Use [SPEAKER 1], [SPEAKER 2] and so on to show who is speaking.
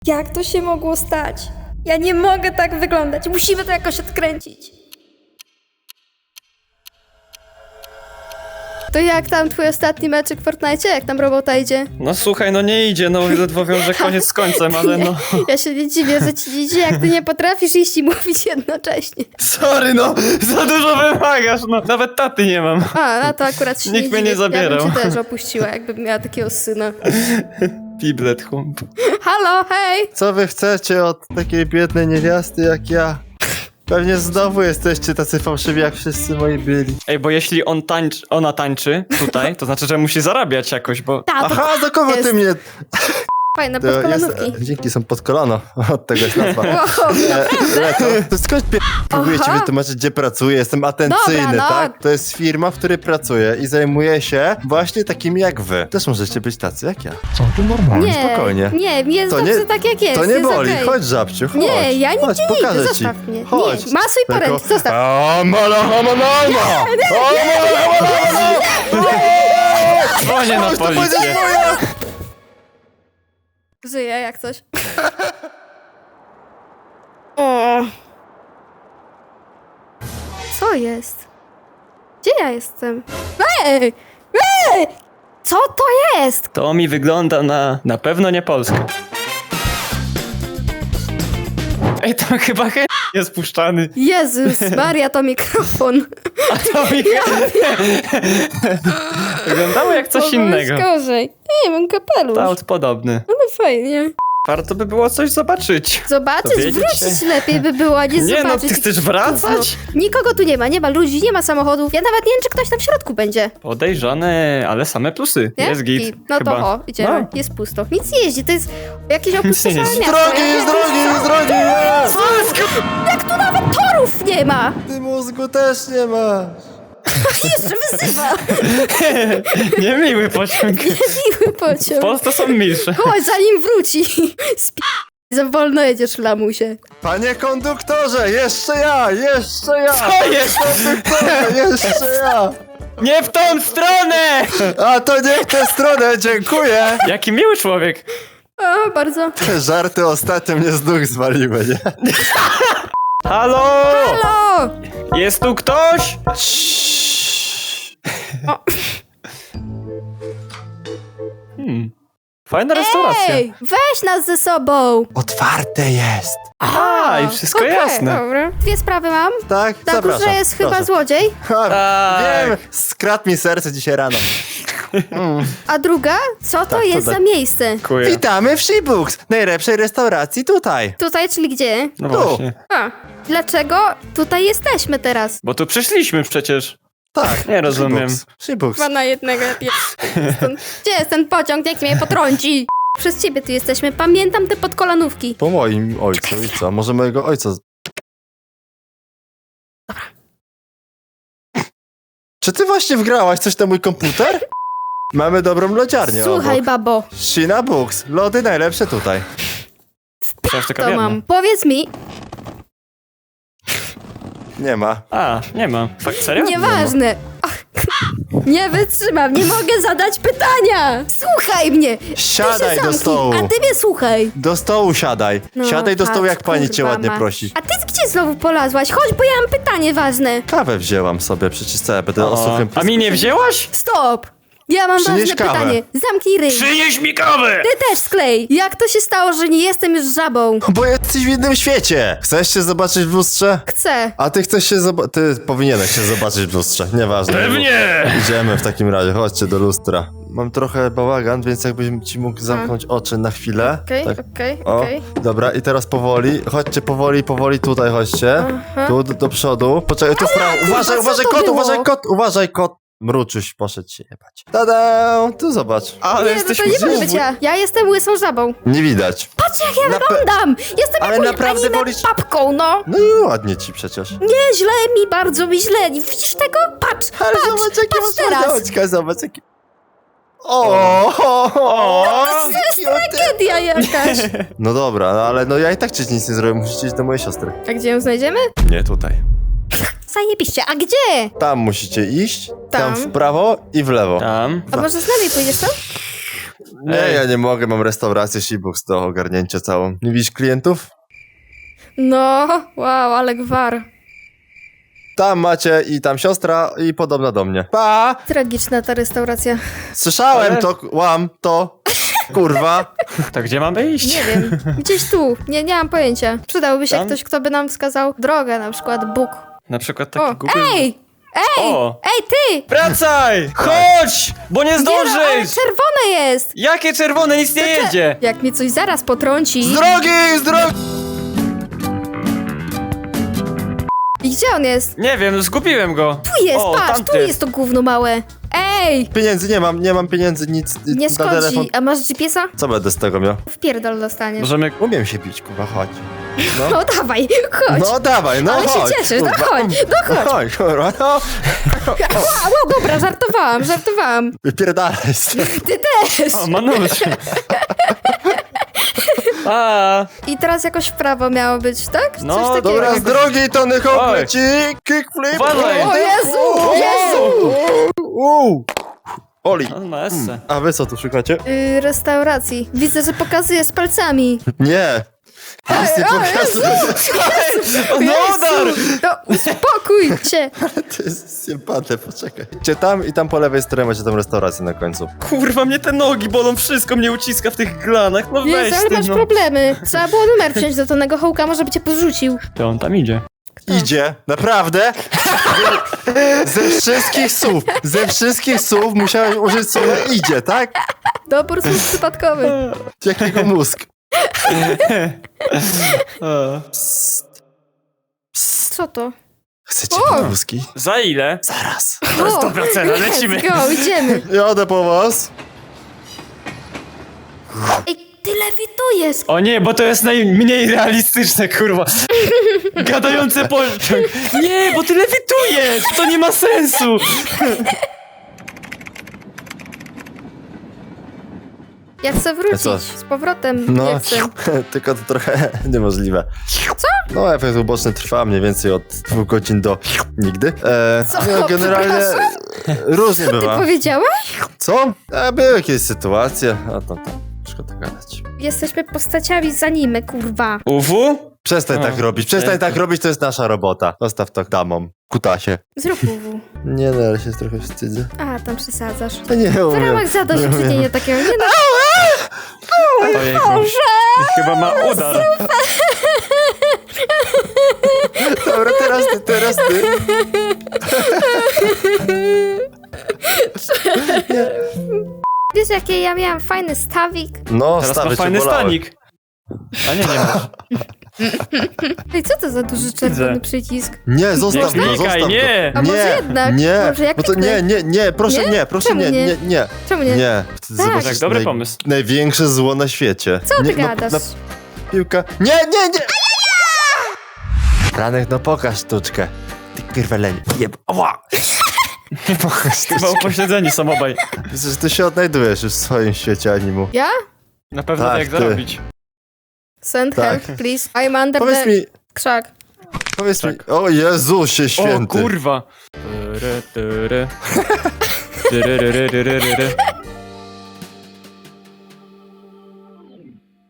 [SPEAKER 1] Jak to się mogło stać? Ja nie mogę tak wyglądać. Musimy to jakoś odkręcić. To jak tam twój ostatni meczyk w Fortnite? Jak tam robota idzie?
[SPEAKER 2] No słuchaj, no nie idzie, no ledwo wiąże koniec z końcem, ale no...
[SPEAKER 1] Ja się nie dziwię, że ci nie idzie, jak ty nie potrafisz iść i mówić jednocześnie.
[SPEAKER 2] Sorry, no, za dużo wymagasz, no. Nawet taty nie mam.
[SPEAKER 1] A, no to akurat się
[SPEAKER 2] Nikt
[SPEAKER 1] nie
[SPEAKER 2] mnie
[SPEAKER 1] dziwię.
[SPEAKER 2] nie zabierał.
[SPEAKER 1] Ja bym cię też opuściła, jakbym miała takiego syna.
[SPEAKER 2] Piblet hump.
[SPEAKER 1] Halo, hej!
[SPEAKER 3] Co wy chcecie od takiej biednej niewiasty jak ja? Pewnie znowu jesteście tacy fałszywi, jak wszyscy moi byli.
[SPEAKER 2] Ej, bo jeśli ona tańczy tutaj, to znaczy, że musi zarabiać jakoś, bo...
[SPEAKER 1] Ta, to
[SPEAKER 3] Aha, do kogo
[SPEAKER 1] jest
[SPEAKER 3] ty mnie...
[SPEAKER 1] fajne
[SPEAKER 3] To jest,
[SPEAKER 1] podkolanówki.
[SPEAKER 3] dzięki, są pod kolano. Od tego jest nazwa.
[SPEAKER 1] Wow,
[SPEAKER 3] To skąd próbuję ci
[SPEAKER 1] Aha.
[SPEAKER 3] wytłumaczyć, gdzie pracuję? Jestem atencyjny,
[SPEAKER 1] Dobra, no.
[SPEAKER 3] tak? To jest firma, w której pracuję i zajmuję się właśnie takimi jak wy. Też możecie być tacy jak ja.
[SPEAKER 1] nie,
[SPEAKER 3] spokojnie.
[SPEAKER 1] Nie, jest
[SPEAKER 3] To
[SPEAKER 1] dobrze
[SPEAKER 3] nie-
[SPEAKER 1] tak jak jest.
[SPEAKER 3] To nie
[SPEAKER 1] jest
[SPEAKER 3] boli,
[SPEAKER 1] okej.
[SPEAKER 3] chodź żabciu, chodź.
[SPEAKER 1] Nie, ja
[SPEAKER 3] chodź,
[SPEAKER 1] nigdzie nie idę,
[SPEAKER 3] pokażę ci.
[SPEAKER 1] zostaw mnie.
[SPEAKER 3] Chodź.
[SPEAKER 1] Nie, masuj poręcz, zostaw.
[SPEAKER 2] Dzwonię na policję.
[SPEAKER 1] Żyję jak coś. O. Co jest? Gdzie ja jestem? Ej! Ej! Co to jest?
[SPEAKER 2] To mi wygląda na pewno nie Polskę. Ej, to chyba jest puszczany.
[SPEAKER 1] Jezus Maria, to mikrofon.
[SPEAKER 2] A to mi wyglądało jak coś innego.
[SPEAKER 1] Gorzej. Nie, mam kapelusz.
[SPEAKER 2] Kształt podobny.
[SPEAKER 1] Ale fajnie.
[SPEAKER 2] Warto by było coś zobaczyć.
[SPEAKER 1] Zobaczyć,
[SPEAKER 2] Dowiedzieć
[SPEAKER 1] wrócić
[SPEAKER 2] się.
[SPEAKER 1] lepiej by było, a nie
[SPEAKER 2] Nie, no,
[SPEAKER 1] zobaczyć.
[SPEAKER 2] ty chcesz wracać?
[SPEAKER 1] Nikogo tu nie ma ludzi, nie ma samochodów. Ja nawet nie wiem, czy ktoś tam w środku będzie.
[SPEAKER 2] Podejrzane, ale same plusy.
[SPEAKER 1] Nie?
[SPEAKER 2] Jest git.
[SPEAKER 1] No
[SPEAKER 2] chyba.
[SPEAKER 1] to idziemy.
[SPEAKER 2] No.
[SPEAKER 1] Jest pusto. Nic nie jeździ, to jest jakieś opustoszałe
[SPEAKER 2] jeździ.
[SPEAKER 1] miasto.
[SPEAKER 3] Drogi, jest drogi, jest drogi! jest!
[SPEAKER 1] Jak tu nawet torów nie ma!
[SPEAKER 3] Ty mózgu też nie masz.
[SPEAKER 1] Jeszcze wyzywa!
[SPEAKER 2] Niemiły pociąg.
[SPEAKER 1] Miły
[SPEAKER 2] W
[SPEAKER 1] pociąg.
[SPEAKER 2] Polsce są milsze.
[SPEAKER 1] Chodź, zanim wróci. Za wolno jedziesz, lamusie.
[SPEAKER 3] Panie konduktorze, jeszcze ja, jeszcze ja!
[SPEAKER 2] Co jest?
[SPEAKER 3] Konduktorze, jeszcze ja!
[SPEAKER 2] Nie w tą stronę!
[SPEAKER 3] A to nie w tę stronę, dziękuję!
[SPEAKER 2] Jaki miły człowiek.
[SPEAKER 1] O, bardzo.
[SPEAKER 3] Te żarty ostatnio mnie z nóg zwaliły, nie?
[SPEAKER 2] Halo!
[SPEAKER 1] Halo!
[SPEAKER 2] Jest tu ktoś?
[SPEAKER 1] O.
[SPEAKER 2] Fajna restauracja.
[SPEAKER 1] Ej, weź nas ze sobą.
[SPEAKER 3] Otwarte jest!
[SPEAKER 2] I wszystko
[SPEAKER 1] Okej,
[SPEAKER 2] jasne.
[SPEAKER 1] Dobra. Dwie sprawy mam.
[SPEAKER 3] Tak,
[SPEAKER 1] Na
[SPEAKER 3] zapraszam.
[SPEAKER 1] górze jest chyba
[SPEAKER 3] proszę.
[SPEAKER 1] złodziej,
[SPEAKER 3] Ha,
[SPEAKER 2] Tak.
[SPEAKER 3] wiem, skradł mi serce dzisiaj rano.
[SPEAKER 1] a druga, co to jest
[SPEAKER 3] tak.
[SPEAKER 1] za miejsce?
[SPEAKER 2] Dziękuję.
[SPEAKER 3] Witamy w Shebooks, najlepszej restauracji tutaj.
[SPEAKER 1] Tutaj, czyli gdzie?
[SPEAKER 2] No
[SPEAKER 3] Tu.
[SPEAKER 2] właśnie.
[SPEAKER 1] A, dlaczego tutaj jesteśmy teraz?
[SPEAKER 2] Bo tu przyszliśmy przecież.
[SPEAKER 3] Tak.
[SPEAKER 2] Nie rozumiem.
[SPEAKER 3] Shebooks.
[SPEAKER 1] Chyba na jednego. Gdzie jest ten pociąg? Jak mnie potrąci? Przez ciebie tu jesteśmy. Pamiętam te podkolanówki.
[SPEAKER 3] Po moim ojcu i co? Może mojego ojca... Czy ty właśnie wgrałaś coś na mój komputer? Mamy dobrą lodziarnię
[SPEAKER 1] Słuchaj,
[SPEAKER 3] obok.
[SPEAKER 1] babo,
[SPEAKER 3] Shina Books, lody najlepsze tutaj.
[SPEAKER 2] Przecież taka
[SPEAKER 1] to
[SPEAKER 2] biedna.
[SPEAKER 1] mam. Powiedz mi,
[SPEAKER 3] Nie ma.
[SPEAKER 2] A, nie ma. Fakt, serio?
[SPEAKER 1] nieważne. Ach, nie wytrzymam, nie mogę zadać pytania. Słuchaj mnie. Ty
[SPEAKER 3] Siadaj
[SPEAKER 1] się
[SPEAKER 3] do
[SPEAKER 1] zamknij,
[SPEAKER 3] stołu.
[SPEAKER 1] A ty mnie słuchaj.
[SPEAKER 3] Do stołu siadaj.
[SPEAKER 1] No,
[SPEAKER 3] Siadaj do stołu,
[SPEAKER 1] patrz,
[SPEAKER 3] jak pani cię
[SPEAKER 1] kurwa
[SPEAKER 3] ładnie
[SPEAKER 1] ma.
[SPEAKER 3] prosi.
[SPEAKER 1] A ty gdzie znowu polazłaś? Chodź, bo ja mam pytanie ważne.
[SPEAKER 3] Kawę wzięłam sobie, przecież co ja będę o suchym
[SPEAKER 2] A mi nie wzięłaś?
[SPEAKER 1] Stop. Ja mam
[SPEAKER 3] Przynieś
[SPEAKER 1] ważne
[SPEAKER 3] kawę.
[SPEAKER 1] pytanie. Zamknij ryj.
[SPEAKER 2] Przynieś mi kawę!
[SPEAKER 1] Ty też sklej. Jak to się stało, że nie jestem już żabą?
[SPEAKER 3] Bo jesteś w innym świecie. Chcesz się zobaczyć w lustrze?
[SPEAKER 1] Chcę.
[SPEAKER 3] A ty chcesz się zobaczyć... Ty powinieneś się zobaczyć w lustrze, nieważne.
[SPEAKER 2] Pewnie!
[SPEAKER 3] Idziemy w takim razie, chodźcie do lustra. Mam trochę bałagan, więc jakbyś ci mógł zamknąć oczy na chwilę.
[SPEAKER 1] Okej,
[SPEAKER 3] Tak.
[SPEAKER 1] okej,
[SPEAKER 3] O,
[SPEAKER 1] okej.
[SPEAKER 3] dobra, i teraz powoli, chodźcie powoli tutaj, chodźcie.
[SPEAKER 1] Aha.
[SPEAKER 3] Tu, do przodu. Poczekaj, tu w prawo.
[SPEAKER 1] kurwa,
[SPEAKER 3] Uważaj,
[SPEAKER 1] co
[SPEAKER 3] uważaj
[SPEAKER 1] to
[SPEAKER 3] kot,
[SPEAKER 1] było?
[SPEAKER 3] uważaj kot. Mruczyś, poszedł się jebać. Tada! Tu zobacz.
[SPEAKER 2] Ale
[SPEAKER 1] Nie, no
[SPEAKER 2] jesteś
[SPEAKER 1] to nie może
[SPEAKER 2] znowu-
[SPEAKER 1] być ja. Ja jestem łysą żabą.
[SPEAKER 3] Nie widać.
[SPEAKER 1] Patrz jak ja
[SPEAKER 3] Na pe-
[SPEAKER 1] wyglądam! Jestem
[SPEAKER 3] Ale
[SPEAKER 1] jakąś
[SPEAKER 3] naprawdę
[SPEAKER 1] anime
[SPEAKER 3] wolisz-
[SPEAKER 1] papką, no!
[SPEAKER 3] No i ładnie ci przecież.
[SPEAKER 1] Nie, źle mi, bardzo mi źle. Nie widzisz tego? Patrz,
[SPEAKER 3] Ale
[SPEAKER 1] patrz,
[SPEAKER 3] zobacz, jakie
[SPEAKER 1] patrz
[SPEAKER 3] masz
[SPEAKER 1] teraz.
[SPEAKER 3] ładne oczka, zobacz, jakie... O!
[SPEAKER 1] To jest tragedia jakaś.
[SPEAKER 3] No dobra, no ale no ja i tak ci nic nie zrobię, musicie iść do mojej siostry.
[SPEAKER 1] A gdzie ją znajdziemy?
[SPEAKER 3] Nie tutaj.
[SPEAKER 1] Zajebiście, a gdzie?
[SPEAKER 3] Tam musicie iść, tam
[SPEAKER 1] Tam.
[SPEAKER 3] w prawo i w lewo.
[SPEAKER 2] Tam.
[SPEAKER 1] A może z nami pójdziesz tam?
[SPEAKER 3] Nie,
[SPEAKER 2] Ej.
[SPEAKER 3] ja nie mogę, mam restaurację Shibux do ogarnięcia całą. Nie widzisz klientów?
[SPEAKER 1] No, wow, ale gwar.
[SPEAKER 3] Tam macie i tam siostra i podobna do mnie. Pa!
[SPEAKER 1] Tragiczna ta restauracja.
[SPEAKER 3] Słyszałem
[SPEAKER 2] Ale-
[SPEAKER 3] to, łam to. Kurwa.
[SPEAKER 2] To gdzie mamy iść?
[SPEAKER 1] Nie wiem, gdzieś tu. Nie mam pojęcia. Przydałby się
[SPEAKER 2] Tam?
[SPEAKER 1] ktoś, kto by nam wskazał drogę, na przykład Bóg.
[SPEAKER 2] Na przykład taki
[SPEAKER 1] O,
[SPEAKER 2] Google.
[SPEAKER 1] ej!
[SPEAKER 2] O!
[SPEAKER 1] Ej, ty!
[SPEAKER 2] Wracaj! Chodź! Bo nie
[SPEAKER 1] Nie no, ale
[SPEAKER 2] zdążysz!
[SPEAKER 1] czerwone jest!
[SPEAKER 2] Jakie czerwone? Nic nie jedzie!
[SPEAKER 1] Jak mnie coś zaraz potrąci...
[SPEAKER 3] Z drogi, z drogi!
[SPEAKER 1] I gdzie on jest?
[SPEAKER 2] Nie wiem, zgubiłem go.
[SPEAKER 1] Tu jest,
[SPEAKER 2] O,
[SPEAKER 1] patrz,
[SPEAKER 2] tamty.
[SPEAKER 1] tu jest to gówno małe. Ej!
[SPEAKER 3] Pieniędzy nie mam pieniędzy, nic
[SPEAKER 1] Nie
[SPEAKER 3] na telefon.
[SPEAKER 1] szkodzi. A masz GPS-a?
[SPEAKER 3] Co będę z tego miał?
[SPEAKER 1] Wpierdol dostaniesz.
[SPEAKER 2] Możemy...
[SPEAKER 3] Umiem się bić, kurwa, chodź.
[SPEAKER 1] No dawaj, chodź.
[SPEAKER 3] No dawaj, no
[SPEAKER 1] Ale się
[SPEAKER 3] chodź.
[SPEAKER 1] cieszysz, no
[SPEAKER 3] kurwa.
[SPEAKER 1] chodź, no chodź.
[SPEAKER 3] Chodź, kurwa, no.
[SPEAKER 1] No dobra, żartowałam.
[SPEAKER 3] Wypierdalaj stąd.
[SPEAKER 1] Ty też.
[SPEAKER 2] O, Manusz. A,
[SPEAKER 1] I teraz jakoś w prawo miało być, tak?
[SPEAKER 2] No,
[SPEAKER 1] Coś takiego.
[SPEAKER 3] Dobra, z drogi, Tony Hawk
[SPEAKER 2] Oj.
[SPEAKER 3] leci, kickflip.
[SPEAKER 2] Uważaj.
[SPEAKER 1] O Jezu, Jezu!
[SPEAKER 3] Oli.
[SPEAKER 2] on ma esse.
[SPEAKER 3] A wy co tu szukacie?
[SPEAKER 1] Restauracji. Widzę, że pokazuje z palcami.
[SPEAKER 3] Nie. Nic nie pokazuję.
[SPEAKER 2] No udar!
[SPEAKER 1] No, uspokój się.
[SPEAKER 3] To jest sympatne, poczekaj. Cię tam i tam po lewej stronie macie tą restaurację na końcu.
[SPEAKER 2] Kurwa, mnie te nogi bolą, wszystko mnie uciska w tych glanach. No weź
[SPEAKER 1] Jezu, ale
[SPEAKER 2] ty,
[SPEAKER 1] masz
[SPEAKER 2] no.
[SPEAKER 1] problemy. Trzeba było numer wziąć do Tonego Hołka, może by cię porzucił.
[SPEAKER 2] To on tam idzie.
[SPEAKER 3] Idzie, naprawdę? Ze wszystkich słów musiałeś użyć słowa idzie, tak?
[SPEAKER 1] Dobór słów przypadkowy.
[SPEAKER 3] Jakiego mózg?
[SPEAKER 1] Co to?
[SPEAKER 3] Chcecie
[SPEAKER 1] O!
[SPEAKER 3] mózgi?
[SPEAKER 2] Za ile?
[SPEAKER 3] Zaraz.
[SPEAKER 2] To jest dobra cena, lecimy.
[SPEAKER 1] Let's go, idziemy.
[SPEAKER 3] Jadę po was.
[SPEAKER 1] Ej, ty lewitujesz.
[SPEAKER 2] O nie, bo to jest najmniej realistyczne, kurwa. Gadający pociąg. Nie, bo ty lewitujesz! To nie ma sensu!
[SPEAKER 1] Ja chcę
[SPEAKER 3] A
[SPEAKER 1] wrócić
[SPEAKER 3] co?
[SPEAKER 1] z powrotem.
[SPEAKER 3] No,
[SPEAKER 1] Nie chcę.
[SPEAKER 3] tylko to trochę niemożliwe. Co? No, efekt uboczny trwa mniej więcej od 2 godzin do nigdy.
[SPEAKER 1] Co?
[SPEAKER 3] No, generalnie różnie
[SPEAKER 1] Ty
[SPEAKER 3] bywa.
[SPEAKER 1] powiedziałeś?
[SPEAKER 3] Co? Były jakieś sytuacje, a tam, szkoda gadać.
[SPEAKER 1] Jesteśmy postaciami z anime, kurwa.
[SPEAKER 2] UW?
[SPEAKER 3] Przestań
[SPEAKER 2] A,
[SPEAKER 3] tak robić, przestań tak robić, to jest nasza robota. Zostaw to damom, kutasie.
[SPEAKER 1] Zrób UW.
[SPEAKER 3] Nie, no, ale się trochę wstydzę.
[SPEAKER 1] A, tam przesadzasz.
[SPEAKER 3] Ja nie
[SPEAKER 1] W
[SPEAKER 3] umiem.
[SPEAKER 1] ramach zadośćuczynienia takiego, nie no.
[SPEAKER 2] Ojejku. Chyba ma udar.
[SPEAKER 3] Dobra, teraz ty.
[SPEAKER 1] Wiesz, jakie ja miałam fajny stawik?
[SPEAKER 3] No,
[SPEAKER 2] Teraz
[SPEAKER 3] stawy
[SPEAKER 2] ma
[SPEAKER 3] cię
[SPEAKER 2] fajny
[SPEAKER 3] bolały.
[SPEAKER 2] stanik. A nie masz.
[SPEAKER 1] Ej, co to za duży czerwony
[SPEAKER 2] Widzę.
[SPEAKER 1] przycisk?
[SPEAKER 3] Nie, zostaw
[SPEAKER 2] Nie
[SPEAKER 3] go,
[SPEAKER 2] klikaj,
[SPEAKER 3] zostaw
[SPEAKER 2] nie.
[SPEAKER 3] go.
[SPEAKER 1] A może jednak?
[SPEAKER 3] Nie,
[SPEAKER 1] Może ja
[SPEAKER 3] bo to
[SPEAKER 1] kliknę?
[SPEAKER 3] nie, proszę
[SPEAKER 1] Nie?
[SPEAKER 3] nie, proszę
[SPEAKER 1] Czemu
[SPEAKER 3] nie,
[SPEAKER 1] nie?
[SPEAKER 3] nie.
[SPEAKER 1] Czemu nie?
[SPEAKER 3] Nie, wtedy
[SPEAKER 1] Tak.
[SPEAKER 3] zobaczysz
[SPEAKER 2] Tak, dobry pomysł.
[SPEAKER 3] największe zło na świecie.
[SPEAKER 1] Co
[SPEAKER 3] nie,
[SPEAKER 1] ty gadasz?
[SPEAKER 3] piłka. Nie! Franek, no pokaż sztuczkę. Ty kurweleń. Jeb. Ała! Pokaż
[SPEAKER 2] Chyba
[SPEAKER 3] sztuczkę.
[SPEAKER 2] upośledzeni są obaj.
[SPEAKER 3] Widzę, że ty się odnajdujesz już w swoim świecie animu.
[SPEAKER 1] Ja?
[SPEAKER 2] Na pewno
[SPEAKER 3] Tak,
[SPEAKER 2] jak
[SPEAKER 3] ty.
[SPEAKER 2] zarobić.
[SPEAKER 1] Send
[SPEAKER 3] Tak.
[SPEAKER 1] help, please. I'm under
[SPEAKER 3] Powiedz
[SPEAKER 1] the
[SPEAKER 3] mi,
[SPEAKER 1] krzak.
[SPEAKER 3] o Jezusie
[SPEAKER 2] O
[SPEAKER 3] święty.
[SPEAKER 2] kurwa. Tyry, tyry. Tyry, tyry, tyry, tyry.